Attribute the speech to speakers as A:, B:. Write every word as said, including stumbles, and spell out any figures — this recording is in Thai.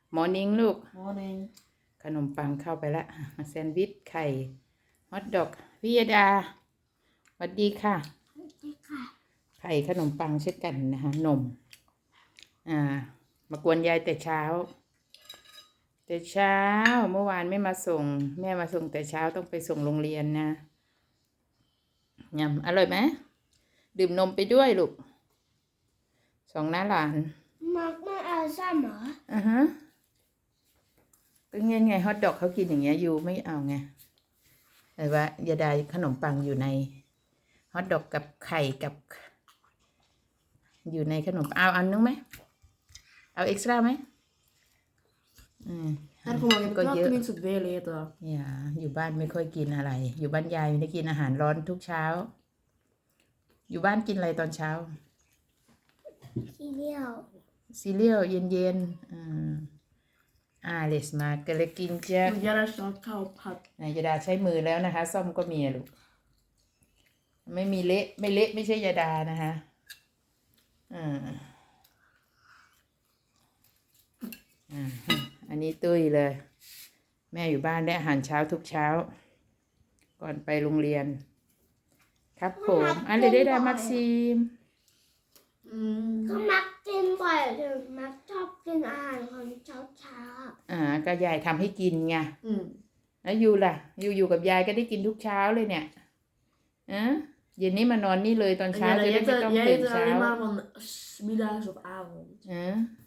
A: มอร์นิ่งลูก
B: Morning
A: ขนมปังเข้าไปละแซนด์วิชไข่ฮอทดอกพี่ยดาสวัสดีค่ะสวัสดีค่ะไข่ขนมปังเช่นกันนะคะนมอ่ามากวนยายแต่เช้าแต่เช้าเมื่อวานไม่มาส่งแม่มาส่งแต่เช้าต้องไปส่งโรงเรียนนะยำอร่อยไหมดื่มนมไปด้วยลูกสองน้าหลาน
C: มักไม่เอาซ้ำเหรอ
A: อ่าฮะก็เงี้ยไงฮอทดอกเขากินอย่างเงี้ยยูไม่เอาไงแต่ว่ายาดาขนมปังอยู่ในฮอทดอกกับไข่กับอยู่ในขนมเอาอันนึงไหมเอาเอ็กซ์ตร้าไหมอืม
B: Här får man
A: ก็เยอะ
B: knappt minst ett väl äta
A: อย่าอยู่บ้านไม่ค่อยกินอะไร อยู่บ้านยายไม่ได้กินอาหารร้อนทุกเช้า อยู่บ้านกินอะไรตอนเช้า
C: ทีเดียว
A: ซีเรียลเย็นๆอ่าอ่าเลสมาก็เลยกินเจ้า
B: Men jag ska ta upp här
A: นายยาดาใช้มือแล้วนะคะซ่อมก็มีลูกไม่มีเละไม่เละไม่ใช่ยาดานะคะอ่าอ่าอันนี้ตุ้ยเลย แม่อยู่บ้านได้อาหารเช้าทุกเช้า ก่อนไปโรงเรียน ครับผมอันเลยได้ดามักซีม
B: mm.
C: ก็มักกินบ่อยถึงมักชอบกินอาหารของเช้าเช้า
A: อ่าก็ยายทำให้กินไง
B: Mm.
A: แล้วยูล่ะยูอยู่กับยายก็ได้กินทุกเช้าเลยเนี่ยอ่ะเย็นนี้มานอนนี่เลยตอนเช้า
B: Jag
A: จะได้ไม่
B: äter,
A: ต้อง
B: jag
A: ตื่น
B: äter
A: เช้า
B: aldrig mellan middags och avond
A: อ่ะ